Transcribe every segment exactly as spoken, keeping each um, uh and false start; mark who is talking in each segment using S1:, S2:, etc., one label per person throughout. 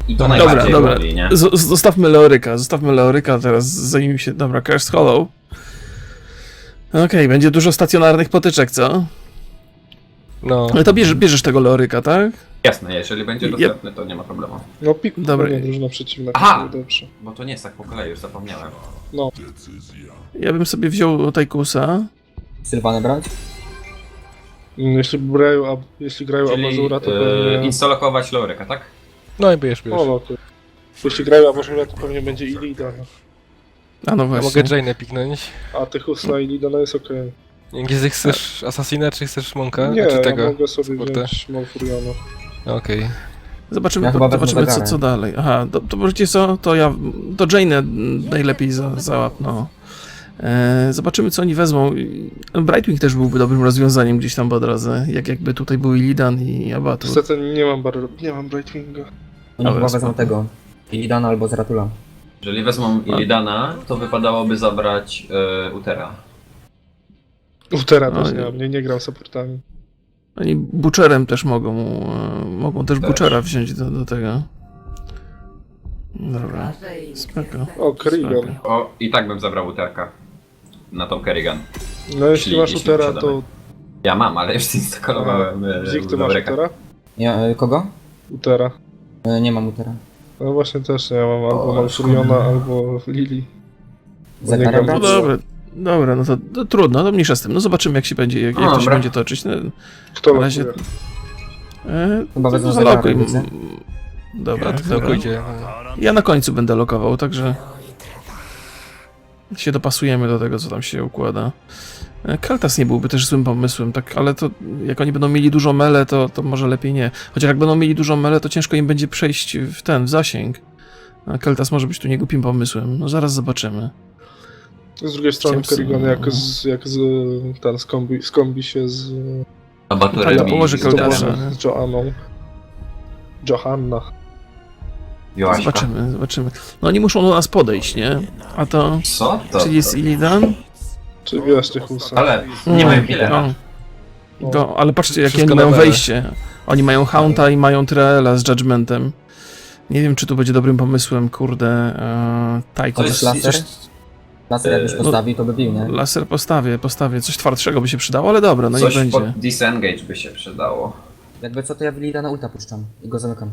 S1: I to
S2: Dobra,
S1: najbardziej
S2: dobra.
S1: boli, nie?
S2: Z- zostawmy Leoryka, zostawmy Leoryka teraz, zanim się... Dobra, Cursed Hollow. Okej, okay, będzie dużo stacjonarnych potyczek, co?
S3: No.
S2: Ale to bierzesz, bierzesz tego Leoryka, tak?
S1: Jasne, jeżeli będzie
S2: Jep.
S1: dostępny, to nie ma problemu.
S4: No pik,
S2: Dobra.
S4: dobra, drużyna przeciwna,
S1: Aha!
S4: to dobrze.
S1: Bo to nie jest tak po kolei, już zapomniałem.
S4: No,
S2: Ja bym sobie wziął Tajkusa.
S5: Sylwanę brać?
S4: mm, jeśli grają, a, jeśli grają
S1: Czyli
S4: Amazura, to
S1: yy,
S4: pewnie...
S1: instalować Loryka, tak?
S3: No i bierz, bierz.
S4: O, no to... Jeśli grają Amazura, to pewnie będzie Illida, no.
S2: A no
S3: Ja
S2: właśnie.
S3: mogę Jane'ę piknąć.
S4: A Tychus na Illida no jest okej.
S3: Gdzie chcesz Assassina, czy chcesz Monka?
S4: Nie,
S3: Znaczy
S4: ja
S3: tego?
S4: mogę sobie
S3: supporta?
S4: wziąć Malfuriona.
S3: Okej.
S2: Zobaczymy,
S5: Ja
S2: po,
S5: chyba wezmę
S2: zobaczymy co,
S5: zegarek.
S2: co dalej. Aha, to, to możecie co? To ja... To Jane'ę najlepiej za, załap, no. E, zobaczymy, co oni wezmą. Brightwing też byłby dobrym rozwiązaniem gdzieś tam po drodze. Jak jakby tutaj był Illidan i Abatur.
S4: Niestety nie mam bar... nie mam Brightwinga.
S5: Oni
S2: Dobra,
S5: chyba wezmą
S2: spoko.
S5: tego. Illidana albo Zratula.
S1: Jeżeli wezmą Illidana, to wypadałoby zabrać yy, Utera.
S4: Utera też
S2: Oj.
S4: nie mam, nie, nie gram supportami.
S2: Oni Butcherem też mogą, e, mogą też
S1: Też.
S2: Butchera wziąć do, do tego. Dobra, spoko.
S4: O, Kerrigan.
S2: Spoko.
S1: O, i tak bym zabrał Uterka. Na tą Kerrigan.
S4: No jeśli
S1: Jeśli-
S4: masz
S1: jeśli
S4: Utera,
S1: posiadamy.
S4: to...
S1: Ja mam, ale już instalowałem yy,
S4: Zik, ty masz
S1: Loryka.
S4: Utera?
S5: Ja, y, kogo?
S4: Utera.
S5: Y, nie mam Utera.
S4: No właśnie też nie, ja mam albo
S1: O,
S4: Malfuriona,
S1: szkoda.
S4: albo Lili. Bo nie
S5: Zakara
S4: gram-
S2: No
S5: brać?
S2: dobra, dobra, no to, to trudno, to mniejsza z tym. No zobaczymy, jak się będzie, jak, jak to się
S1: Dobra.
S2: będzie toczyć. No,
S4: Kto
S2: na razie...
S4: lokuje?
S2: E,
S5: Chyba
S2: to
S5: wezmą
S2: zalokuj.
S5: zegarek, widzę.
S2: Dobra,
S3: Ja
S2: dobra.
S3: tylko idzie.
S2: Ja na końcu będę lokował, także się dopasujemy do tego, co tam się układa. E, Keltas nie byłby też złym pomysłem, tak, ale to jak oni będą mieli dużo mele, to, to może lepiej nie. Chociaż jak będą mieli dużo mele, to ciężko im będzie przejść w ten, w zasięg. A Keltas może być tu niegłupim pomysłem. No zaraz zobaczymy.
S4: Z drugiej strony
S2: Chciałem
S4: Kerrigan
S2: sobie-
S4: jak z, jak z ten skombi, skombi się z,
S1: Abaturem
S2: Tak,
S1: i
S2: położy
S1: z
S4: z,
S2: Keldasa.
S1: Uterem.
S4: Joanną- z Joanną. Johanna.
S1: Joaśka.
S2: Zobaczymy, zobaczymy. No oni muszą do nas podejść, nie? A to...
S1: Co to?
S2: Czyli jest Illidan?
S4: Czy wiesz Tychusa?
S1: Ale nie mają healera.
S2: No. To, ale patrzcie, jakie
S3: Wszystko
S2: oni mają
S3: na mele.
S2: wejście. Oni mają Haunta i mają Traela z Judgmentem. Nie wiem, czy to będzie dobrym pomysłem, kurde, e, Tycho.
S1: To jest
S5: laser?
S1: coś,
S5: Laser jakbyś
S1: Yy,
S5: postawił, to by bił, nie?
S2: Laser postawię, postawię. Coś twardszego by się przydało, ale dobra, no i
S1: coś
S2: będzie.
S1: pod disengage by się przydało.
S5: Jakby co, to ja Illidana ulta puszczam i go zamykam.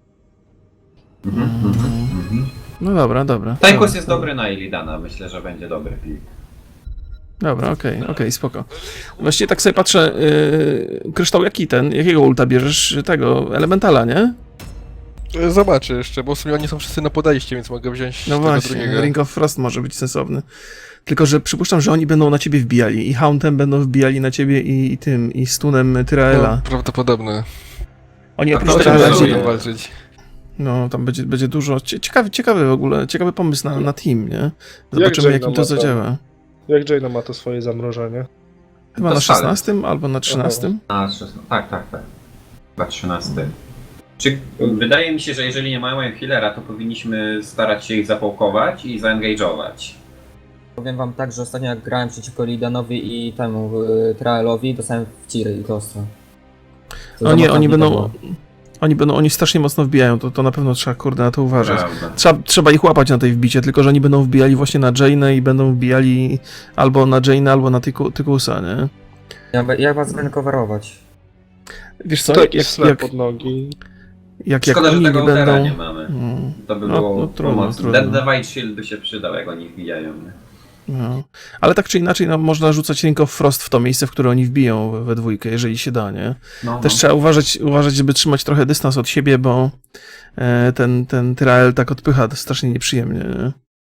S1: Mhm, mhm, mhm.
S2: No dobra, dobra.
S1: Tychus
S2: dobra,
S1: jest dobry na Illidana, myślę, że będzie dobry pick.
S2: Dobra, okej, okej, spoko. Właściwie tak sobie patrzę, yy, Kryształ, jaki ten, jakiego ulta bierzesz? Tego, Elementala, nie?
S3: Zobaczę jeszcze, bo w sumie oni są wszyscy na podejście, więc mogę wziąć
S2: No
S3: tego
S2: właśnie,
S3: drugiego.
S2: Ring of Frost może być sensowny. Tylko, że przypuszczam, że oni będą na ciebie wbijali. I Hauntem będą wbijali na ciebie i, i tym, i stunem Tyraela.
S3: No, prawdopodobne.
S2: Oni oprócz
S1: No,
S3: No,
S2: tego
S1: tak,
S3: tak,
S1: będzie-
S3: będą walczyć.
S2: no, tam będzie, będzie dużo. cie- Ciekawy, ciekawy w ogóle, ciekawy pomysł na, na team, nie? Zobaczymy,
S4: Jaina
S2: jak im to
S4: ma tam?
S2: zadziała.
S4: Jak Jaina ma to swoje zamrożenie?
S2: Chyba
S1: To
S2: na
S1: szalec.
S2: szesnastym albo na trzynastym.
S1: A, szesnasty. Tak, tak, tak. Chyba trzynasty. Czy, wydaje mi się, że jeżeli nie mają healera, to powinniśmy starać się ich zapałkować i zaengage'ować.
S5: Powiem wam tak, że ostatnio jak grałem przeciwko Illidanowi i temu y, Traelowi, dostałem w ciry i to ostro. To
S2: No nie,
S5: za
S2: oni
S5: mocno
S2: będą,
S5: było.
S2: oni będą, oni strasznie mocno wbijają, to, to na pewno trzeba, kurde, na to uważać.
S1: Prawda.
S2: Trzeba, trzeba ich łapać na tej wbicie, tylko że oni będą wbijali właśnie na Jane'ę i będą wbijali albo na Jane'ę, albo na Tyku- Tykusa, nie?
S5: Ja, be- ja was będę coverować.
S2: Wiesz co,
S4: To
S2: jak,
S4: jakiś
S2: jak,
S4: snap
S2: jak,
S4: pod nogi.
S2: jak, jak
S1: Szkoda, że
S2: oni
S1: tego
S2: nie
S1: Utera
S2: będą...
S1: nie mamy.
S2: Mm,
S1: To by
S2: No,
S1: było
S2: no, trudno,
S1: pomocne.
S2: trudno.
S1: Dead Divide Shield by się przydał, jak oni wbijają.
S2: no. Ale tak czy inaczej, no, można rzucać Ring of Frost w to miejsce, w które oni wbiją we- we dwójkę, jeżeli się da, nie?
S1: No,
S2: Też
S1: no.
S2: trzeba uważać, uważać, żeby trzymać trochę dystans od siebie, bo e, ten, ten Tyrael tak odpycha to strasznie nieprzyjemnie. Nie?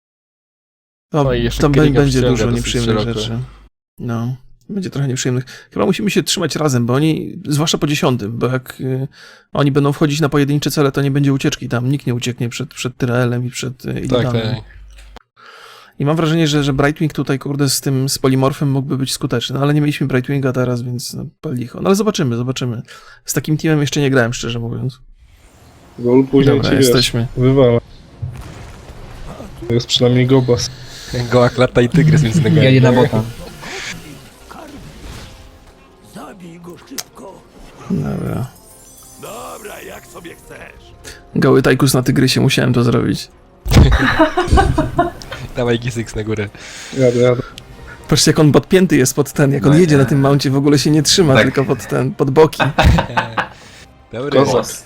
S2: To,
S3: No i jeszcze
S2: tam bę-
S3: Kerrigan
S2: będzie
S3: przyciąga
S2: dużo
S3: dosyć
S2: nieprzyjemnych
S3: szeroko.
S2: rzeczy. No, będzie trochę nieprzyjemnych. Chyba musimy się trzymać razem, bo oni, zwłaszcza po dziesiątym, bo jak y, oni będą wchodzić na pojedyncze cele, to nie będzie ucieczki tam. Nikt nie ucieknie przed, przed Tyraelem i przed y,
S3: Tak,
S2: Illidanem.
S3: tak.
S2: I mam wrażenie, że, że Brightwing tutaj, kurde, z tym, z Polimorfem mógłby być skuteczny, no, ale nie mieliśmy Brightwinga teraz, więc no, pal licho. No ale zobaczymy, zobaczymy. Z takim teamem jeszcze nie grałem, szczerze mówiąc.
S4: Gol później
S2: Dobra,
S4: ci wiesz,
S2: jesteśmy.
S4: wywala. Jest przynajmniej Gobas.
S3: Goła klata i tygrys między nogami.
S5: Ja jedna bota.
S2: Dobra. Goły tajkus na tygrysie, musiałem to zrobić.
S3: Dawaj Gizyks na górę.
S4: Jadę, jadę.
S2: Patrzcie, jak on podpięty jest pod ten, jak on
S1: No
S2: jedzie
S1: nie.
S2: na tym mouncie, w ogóle się nie trzyma,
S1: Tak.
S2: tylko pod ten, pod boki.
S3: Dobry.
S4: Kozak.
S1: Głos.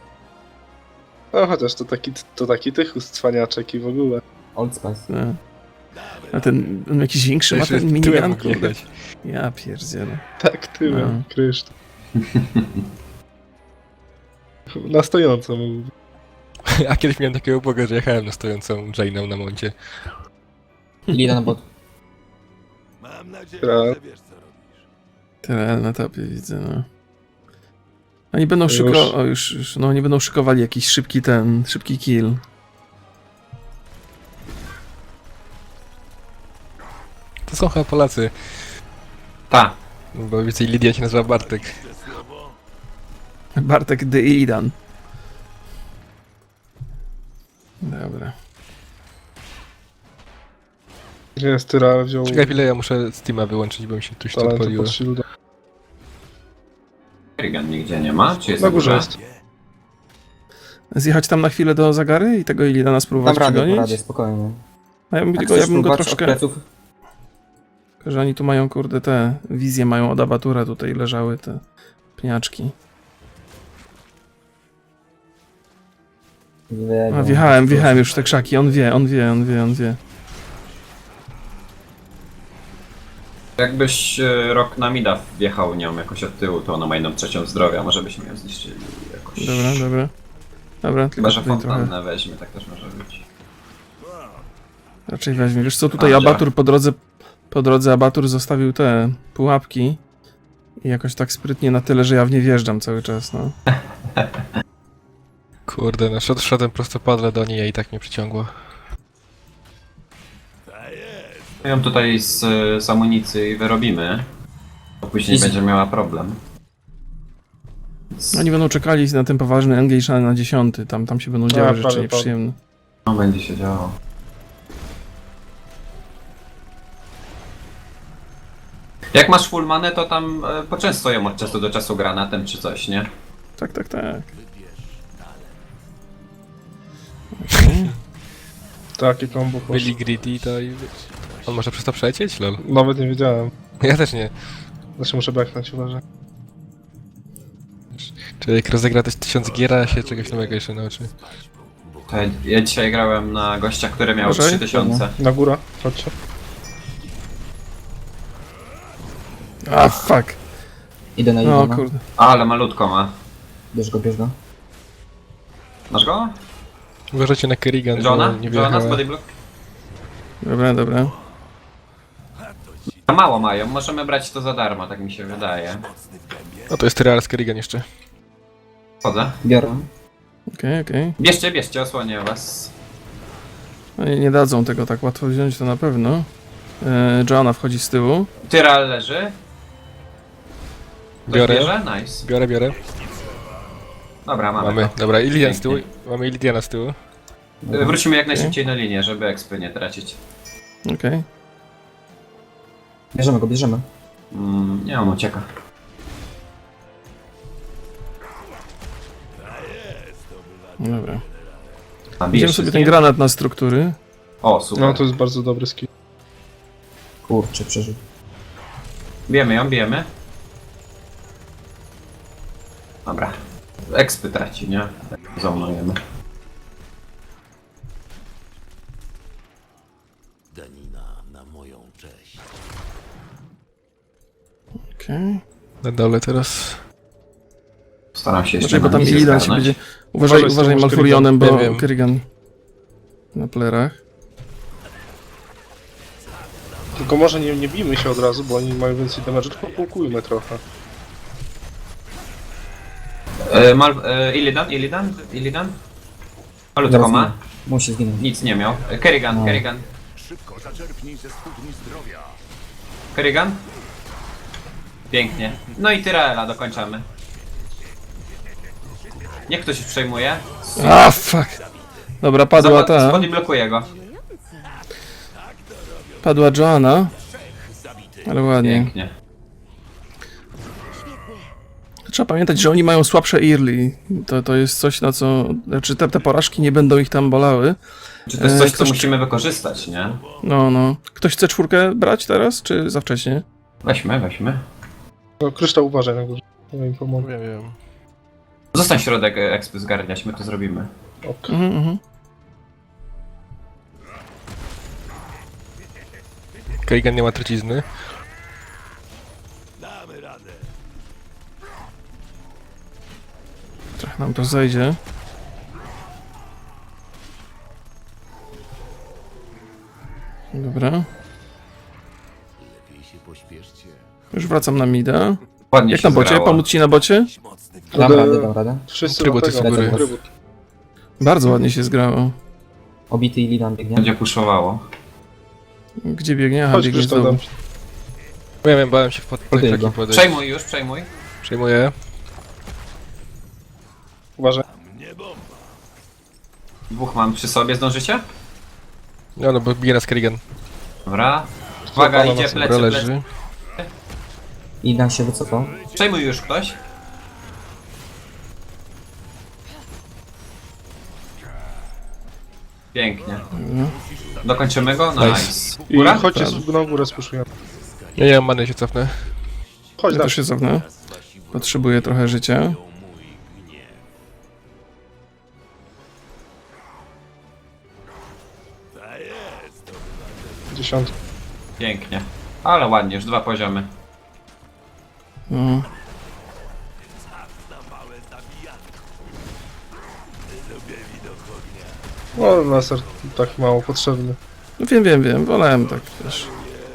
S4: No chociaż to taki, to taki tychus cwaniaczek i w ogóle.
S5: Old Spice.
S2: No. A ten, on jakiś większy ma
S3: Jeszcze
S2: ten
S3: tyłem
S2: minigun,
S3: mógł
S2: kurde.
S3: jechać.
S2: Ja pierdzielę.
S4: Tak, tyłem,
S2: No.
S4: kryształ. Na stojąco mógł.
S3: A kiedyś miałem takiego boga, że jechałem na stojącą Jane'ą na moncie.
S5: Illidan na bot.
S4: Tra-
S2: Tyle na topie widzę, no. Oni będą
S4: Już.
S2: szyko... O, już, już, no oni będą szykowali jakiś szybki ten, szybki kill.
S3: To są chyba Polacy,
S1: Ta.
S3: bo więcej Lidia się nazywa Bartek.
S2: Bartek de Illidan. Dobra.
S4: Gdzie jest Tyra, wziął
S3: Czekaj chwilę, ja muszę Steama wyłączyć, bo mi się tuś to
S4: talentu
S3: odpaliło.
S4: pod shielda.
S1: Kerrigan nigdzie nie ma? Czy jest
S4: Na górze jest.
S2: Zjechać tam na chwilę do Zagary i tego Illidana spróbować
S5: Dam radę,
S2: przegonić?
S5: dam radę, spokojnie.
S2: A ja bym,
S5: Jak
S2: go, ja
S5: chcesz
S2: bym go
S5: próbować od
S2: troszkę...
S5: pleców,
S2: Że oni tu mają, kurde, te wizje mają od abatura, tutaj leżały te pniaczki.
S5: wie-
S2: A, wjechałem, wjechałem już w te krzaki, on wie, on wie, on wie, on wie.
S1: Jakbyś e, rok na mida wjechał nią jakoś od tyłu, to ona ma jedną trzecią zdrowia, może byśmy ją zniszczyli jakoś.
S2: Dobra, dobra. Dobra,
S1: Chyba,
S2: tylko
S1: że
S2: tutaj trochę...
S1: fontannę weźmie, tak też może być.
S2: Raczej weźmie. Wiesz co, tutaj
S1: A,
S2: abatur po drodze, po drodze abatur zostawił te pułapki i jakoś tak sprytnie na tyle, że ja w nie wjeżdżam cały czas, no.
S3: Kurde, no szedł, szedłem prostopadle do niej, a i tak mnie przyciągło.
S1: My ją tutaj z, z amunicji wyrobimy, bo później
S5: I z-
S1: będzie miała problem. Więc-
S2: Oni będą czekali na ten poważny engage na dziesiąty, tam, tam się będą działy
S4: A,
S2: rzeczy
S4: prawie,
S2: nieprzyjemne.
S1: No, będzie się działo. Jak masz full manę, to tam e, poczęstuj ją od czasu do czasu granatem czy coś, nie?
S2: Tak, tak, tak. Okay.
S4: Takie combo poszło.
S3: Byli greedy, to i wiesz. On może przez to przelecieć? Lol.
S4: Nawet nie wiedziałem.
S3: Ja też nie.
S4: Znaczy muszę backnąć, uważaj.
S3: Czy jak rozegra też tysiąc gier, a się czegoś nowego jeszcze nauczy.
S1: To ja, ja dzisiaj grałem na gościa, który miał
S2: Uważaj.
S1: trzy tysiące.
S4: Na górę, chodźcie.
S2: A, fuck.
S5: Idę na
S2: No,
S5: Illidana.
S2: kurde.
S1: Ale malutko ma.
S5: Bierz go, bierz go.
S1: Masz go?
S3: Uważajcie na Kerrigan,
S1: Johna?
S3: bo nie
S1: Johna z
S3: wjechała.
S1: bodyblock?
S2: Dobra, dobra.
S1: A mało mają, możemy brać to za darmo, tak mi się wydaje.
S3: No to jest Real z Kerrigan jeszcze.
S1: Chodzę.
S5: Biorę.
S2: Okej, okej.
S1: Bierzcie, bierzcie, osłonię was.
S2: No nie, nie dadzą tego tak łatwo wziąć, to na pewno. E, Joanna wchodzi z tyłu.
S1: Tyral leży. Ktoś
S3: Biorę.
S1: bierze? Nice.
S3: Biorę, biorę.
S1: Dobra, mamy.
S3: Mamy.
S1: Go.
S3: Dobra, i Lidian z tyłu.
S1: Pięknie.
S3: Mamy Lidiana z tyłu.
S1: Y, Wrócimy jak najszybciej na linię, żeby expy nie tracić.
S2: Okej.
S5: Bierzemy go, bierzemy.
S1: Mm, nie, on ucieka.
S2: Dobra.
S1: A,
S2: Idziemy
S1: bijesz
S2: sobie
S1: się z
S2: ten
S1: nim?
S2: granat na struktury.
S1: O, super.
S4: No to jest bardzo dobry skill.
S5: Kurczę, przeżył.
S1: Bijemy ją, bijemy. Dobra. Expy traci, nie? Zaunujemy.
S2: Okej.
S3: Na dole teraz.
S1: Staram się jeszcze
S2: Znaczy, bo
S1: na
S2: tam
S1: misję
S2: Illidan się
S1: zgarnąć.
S2: będzie... Uważaj,
S4: Uważaj z
S2: uważaj
S4: tą
S2: Malfurionem, bo
S3: Kerrigan. Wiem, wiem.
S2: Kerrigan na plerach.
S4: Tylko może nie, nie bijmy się od razu, bo oni mają więcej damage, tylko pulkujmy trochę.
S1: E, Mal... E, Illidan, Illidan, Illidan? Malutko
S5: Zaraz
S1: ma.
S5: ginie. Musi zginąć.
S1: Nic nie miał. E, Kerrigan,
S5: No.
S1: Kerrigan. Kerrigan? Pięknie. No i Tyraela dokończamy. Niech ktoś przejmuje.
S2: A, fuck. Dobra, padła ta.
S1: Spody blokuje go.
S2: Padła Joanna. Ale ładnie.
S1: Pięknie.
S2: Trzeba pamiętać, że oni mają słabsze early. To, to jest coś, na co... Znaczy te, te porażki nie będą ich tam bolały.
S1: Czy to jest coś,
S2: E,
S1: co
S2: ktoś-
S1: musimy wykorzystać, nie?
S2: No, no. Ktoś chce czwórkę brać teraz, czy za wcześnie?
S1: Weźmy, weźmy.
S4: No, kryształ uważaj na górze. Ja im pomogę.
S3: Wiem, wiem.
S1: Zostań środek e, ekspy zgarniać, my to zrobimy.
S4: Ok.
S2: Mhm, mhm.
S3: Kerrigan nie ma trucizny.
S2: Trochę nam to zejdzie. Dobra. Już wracam na mida.
S1: Ładnie
S2: Jak
S1: się
S2: na bocie?
S1: zgrało.
S2: Pomóc ci na bocie?
S5: Dam
S4: Ale-
S5: radę, dam radę.
S4: Wszyscy
S3: Trybut
S4: do
S3: jest
S4: tego.
S3: u góry.
S4: Trybut.
S2: Bardzo ładnie się zgrało.
S5: Obity i Lidan biegnie.
S1: Będzie puszowało.
S2: Gdzie biegnie? Aha,
S4: Chodź
S2: biegnie
S4: kryształ
S2: znowu.
S4: dam ci.
S3: Wiem, wiem, bałem się w pod
S5: Podejdę
S3: taki
S5: go.
S3: podejść.
S1: Przejmuj już, przejmuj.
S3: Przejmuję.
S4: Uważaj.
S1: Dwóch mam przy sobie, zdążycie?
S3: No, no, bo bije nas Kerrigan.
S1: Dobra. Uwaga,
S4: Zapala
S1: idzie
S4: nas,
S1: plecy,
S3: Dobra,
S1: plecy.
S3: leży.
S5: Lidan się wycofał.
S1: Przejmuj już ktoś. Pięknie. Dokończymy go? Nice.
S4: I
S1: Góra?
S4: chodźcie z- na górę spuszujemy.
S3: Ja nie mam many, się cofnę.
S4: Chodź,
S2: Ja
S4: dasz.
S2: też się cofnę. Potrzebuję trochę życia.
S4: Dziesiątkę.
S1: Pięknie. Ale ładnie, już dwa poziomy.
S2: No.
S4: No, laser tak mało potrzebny.
S2: No wiem, wiem, wiem. Wolałem tak, wiesz.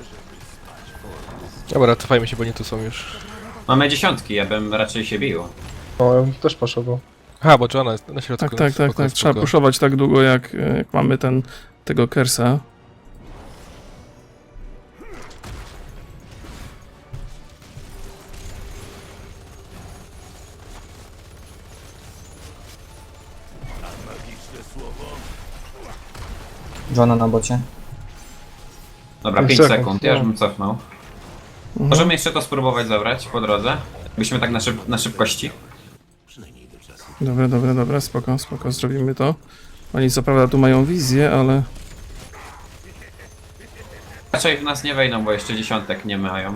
S3: Dobra, cofajmy się, bo nie tu są już.
S1: Mamy dziesiątki, ja bym raczej się bił.
S4: No, ja bym też poszedł.
S3: Aha, bo Joanna jest na środku.
S2: Tak, tak, tak,
S3: spoko,
S2: tak.
S3: spoko.
S2: Trzeba puszować tak długo, jak, jak mamy ten, tego Kersa.
S5: Johna na bocie.
S1: Dobra,
S4: Pięć
S1: pięć
S4: sekund,
S1: sekund, ja już
S4: no.
S1: bym cofnął.
S2: Mhm.
S1: Możemy jeszcze to spróbować zabrać po drodze. Byśmy tak na, szyb na szybkości.
S2: Dobra, dobra, dobra, spoko, spoko, zrobimy to. Oni co prawda tu mają wizję, ale...
S1: Raczej w nas nie wejdą, bo jeszcze dziesiątek nie mają.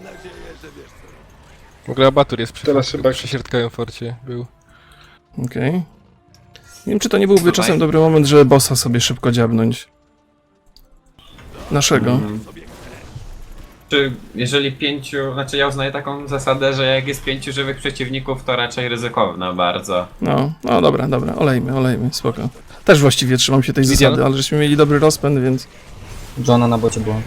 S3: W ogóle abatur jest przy,
S4: Teraz chyba-
S3: przy środkowym forcie. Był.
S2: Okej. Nie wiem, czy to nie byłby
S1: Tutaj.
S2: czasem dobry moment, żeby bossa sobie szybko dziabnąć. Naszego.
S1: Mm. Czy jeżeli pięciu, znaczy ja uznaję taką zasadę, że jak jest pięciu żywych przeciwników, to raczej ryzykowna bardzo.
S2: No, no dobra, dobra, olejmy, olejmy, spoko. Też właściwie trzymam się tej
S3: Wizja?
S2: zasady, ale żeśmy mieli dobry rozpęd, więc...
S5: Johna na bocie było.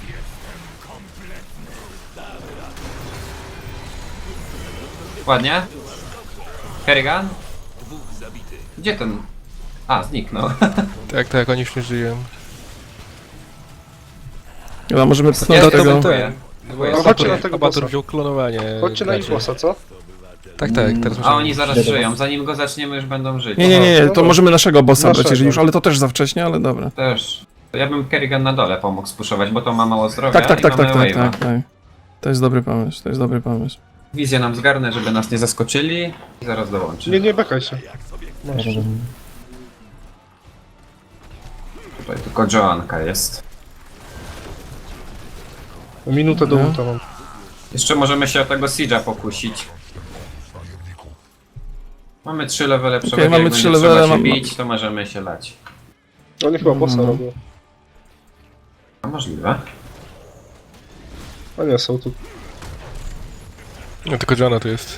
S1: Ładnie. Kerrigan? Gdzie ten? A, zniknął.
S3: Tak, tak, oni już nie żyją.
S2: Chyba możemy pchnąć
S1: Ja
S2: do
S1: to
S2: tego...
S1: bym-
S3: ten. Bo
S1: No,
S3: abatur,
S4: chodźcie na tego
S3: abatur
S4: bossa.
S3: wziął klonowanie.
S4: Chodźcie na ich
S3: graczy.
S4: bossa, co?
S3: Tak, tak, teraz
S1: A
S3: musimy...
S1: oni zaraz
S5: Idę do
S1: żyją,
S5: was.
S1: zanim go zaczniemy już będą żyć.
S2: Nie, nie, nie, nie, to możemy naszego bossa brać,
S4: Naszego.
S2: jeżeli już, ale to też za wcześnie, ale dobra.
S1: Też. To ja bym Kerrigan na dole pomógł spuszować, bo to ma mało zdrowia
S2: Tak, tak,
S1: i
S2: tak, tak,
S1: mamy
S2: tak,
S1: wave'a.
S2: tak, tak. To jest dobry pomysł, to jest dobry pomysł.
S1: Wizję nam zgarnę, żeby nas nie zaskoczyli i zaraz dołączy.
S4: Nie, nie bekaj się. Masz.
S1: Tutaj tylko Joanka jest.
S4: Minutę do
S2: No.
S4: ulta mam.
S1: Jeszcze możemy się o tego Siege'a pokusić. Mamy trzy levele przewagi,
S2: mamy
S1: jak
S2: trzy
S1: będzie
S2: levele,
S1: trzeba się
S2: mam-
S1: bić, to możemy się lać.
S4: Oni chyba bossa
S2: Mhm.
S4: robią.
S1: A możliwe.
S4: A nie, są tu.
S3: No tylko Joanna tu jest.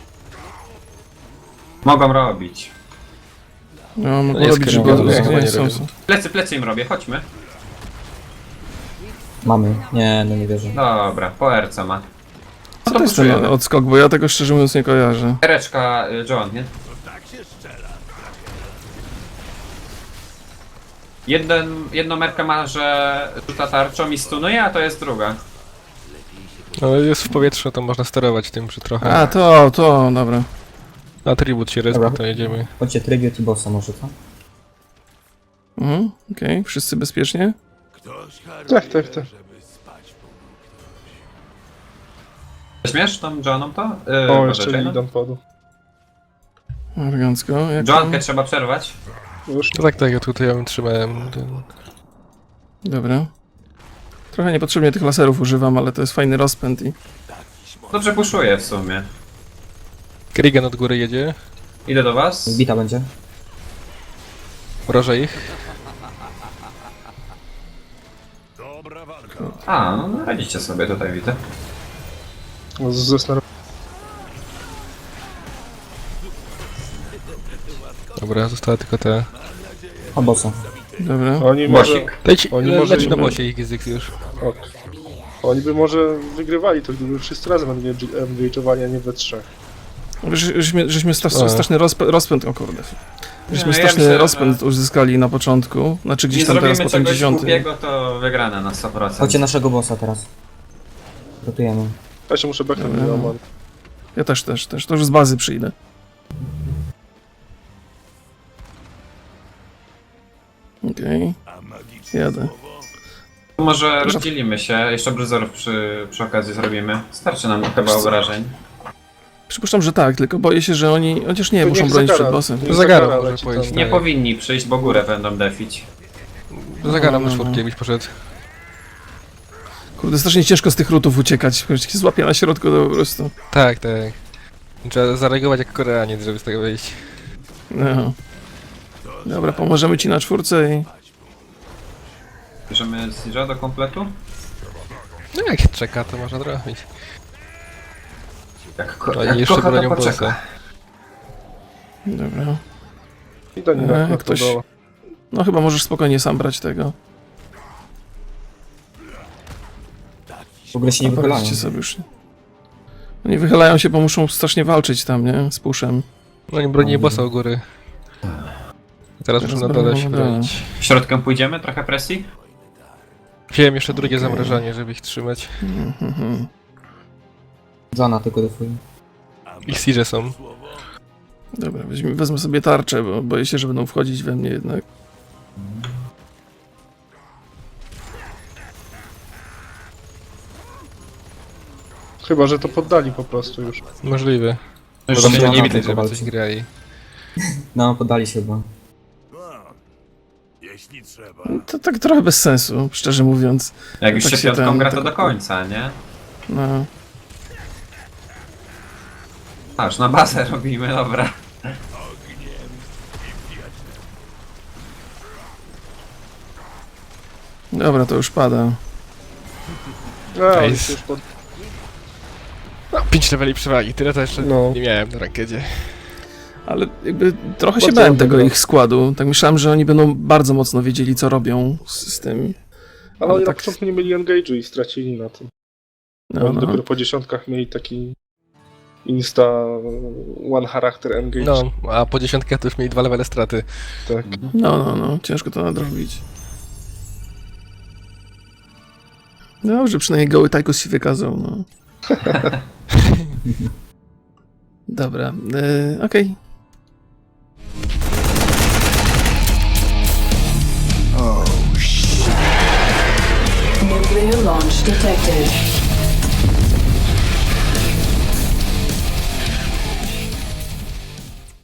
S1: Mogą robić.
S2: No, mogą
S3: jest
S2: robić, żeby...
S3: kierowane,
S2: Nie,
S3: chyba
S2: nie,
S3: nie
S2: są,
S3: robią.
S2: są.
S1: Plecy, plecy im robię, chodźmy.
S5: Mamy. Nie, no nie wierzę.
S1: Dobra, po R C ma.
S2: Co to jest ten
S1: poczujemy?
S2: odskok, bo ja tego szczerze mówiąc nie kojarzę.
S1: Ereczka y, Joan, nie? Jeden, jedną merkę ma, że rzuca tarczą i stunuje, a to jest druga.
S3: No jest w powietrzu, to można sterować tym przy trochę.
S2: A, to, to, dobra.
S3: Atribut się respi,
S5: Dobra.
S3: to jedziemy.
S5: Chodźcie tribute i bossa może, co?
S2: Mhm, okej, wszyscy bezpiecznie?
S6: 「 Ktoś
S4: Tak, tak, tak.
S6: haruje, żeby spać po.
S4: 'Ty
S6: '
S1: Weźmiesz tą Joanną to? Yy,
S4: O,
S1: może
S4: jeszcze
S1: Jane'a?
S4: Lidan padł.
S2: Elegancko. Jak tam?
S1: Joankę trzeba przerwać.
S4: Już.
S3: No tak, tak, ja tutaj ja bym trzymałem ten...
S2: Dobra. Trochę niepotrzebnie tych laserów używam, ale to jest fajny rozpęd i...
S1: Dobrze puszuję w sumie.
S3: Kerrigan od góry jedzie,
S1: Idę do was.
S5: Bita będzie.
S3: mrożę ich.
S1: A, no, no radzicie sobie tutaj, widzę.
S4: Z- ze snor-
S3: Dobra, została tylko ta...
S5: O bossa.
S2: Dobra.
S4: Oni może...
S1: Bosik.
S3: Leci,
S4: Oni
S3: le,
S4: może-
S3: leci na bosie ich język już.
S4: Ok. Oni by może wygrywali to, gdyby wszyscy razem engage'owali, a nie we trzech.
S2: Ż- Żeśmy, żeśmy sta-
S3: A.
S2: straszny rozpę- rozpęd, o kurde. Żeśmy
S1: No, ja
S2: straszny
S1: myślę, że-
S2: rozpęd uzyskali na początku, znaczy gdzieś
S1: Nie
S2: tam teraz
S1: zrobimy
S2: po tym
S1: czegoś
S2: dziesiątym.
S1: głupiego, to wygrana na sto procent.
S5: Chodźcie naszego bossa teraz. Rotujemy.
S4: Ja się muszę backnąć
S2: Dobra.
S4: do Roman.
S2: Ja też, też, też. To już z bazy przyjdę. Okej. Jadę.
S1: Może rozdzielimy się, jeszcze bruzorów przy, przy okazji zrobimy. Starczy nam chyba obrażeń.
S2: Przypuszczam, że tak, tylko boję się, że oni... Chociaż nie,
S4: To
S2: muszą
S4: niech
S2: bronić
S4: Zagara-
S2: przed bossem.
S4: niech
S3: Zagara
S4: Zagara
S3: może
S4: leci
S3: powiedzieć.
S4: tam.
S1: Nie
S3: Tak.
S1: powinni przyjść, bo górę będą defić.
S3: Zagaram
S2: no,
S3: na
S2: no.
S3: czwórkę, byś poszedł.
S2: Kurde, strasznie ciężko z tych rutów uciekać. Jak się złapie na środku, to po prostu...
S3: Tak, tak. Trzeba zareagować jak Koreaniec, żeby z tego wyjść.
S2: No. Dobra, pomożemy ci na czwórce i...
S1: Bierzemy Siege'a do kompletu?
S3: No jak czeka, to można trafić.
S1: Jak, ko-
S3: Oni
S1: jak
S3: jeszcze
S1: kocha, to
S3: bronią
S1: poczeka.
S3: bossa.
S2: Dobra.
S4: I do
S2: E,
S4: nich na
S2: ktoś-
S4: ktoś...
S2: No chyba możesz spokojnie sam brać tego.
S5: W ogóle się nie wychylają.
S2: Poradźcie sobie już. Oni wychylają się, bo muszą strasznie walczyć tam, nie? Z puszem.
S3: No oni bronili bossa u góry. Teraz muszę na dole się
S2: Teraz bronią,
S3: bronić.
S1: Środkiem pójdziemy? Trochę presji?
S3: Wziąłem jeszcze drugie zamrażanie, żeby ich trzymać.
S2: Mhm.
S5: Zona tylko defuje.
S3: Ich siege są.
S2: Dobra, weźmie, wezmę sobie tarczę, bo boję się, że będą wchodzić we mnie jednak.
S4: Chyba, że to poddali po prostu już.
S3: Możliwe.
S1: Już
S3: Bo tam
S1: się
S3: nie,
S5: nie
S3: nie
S5: ma
S3: widać,
S5: tylko
S3: żeby coś
S5: walki.
S3: grali.
S5: No, poddali się chyba.
S6: Jeśli trzeba.
S2: To tak trochę bez sensu, szczerze mówiąc.
S1: Jak już
S2: tak
S1: się
S2: się
S1: piątką
S2: ten-
S1: gra, to
S2: tak-
S1: do końca, nie?
S2: No.
S1: A, już na bazę robimy, dobra.
S2: Dobra, to już pada.
S4: A, oni
S3: Nice.
S4: się już pod...
S3: No, pięć leveli przewagi, tyle to jeszcze
S4: No.
S3: nie miałem na rankedzie.
S2: Ale jakby trochę się
S4: Bardzo
S2: bałem tego
S4: dobrze.
S2: ich składu. Tak myślałem, że oni będą bardzo mocno wiedzieli, co robią z, z tym.
S4: Ale oni
S2: tak-
S4: na początku nie mieli engage'u i stracili na tym.
S2: No,
S4: Oni
S2: no.
S4: dopiero po dziesiątkach mieli taki... Insta... One character engage.
S3: No, a po dziesiątkach to już mieli dwa levele straty.
S4: Tak.
S2: No, no, no, ciężko to nadrobić. Dobrze, przynajmniej goły Tychus się wykazał, no. Dobra, yy, okej.
S7: Nuclear launch detected.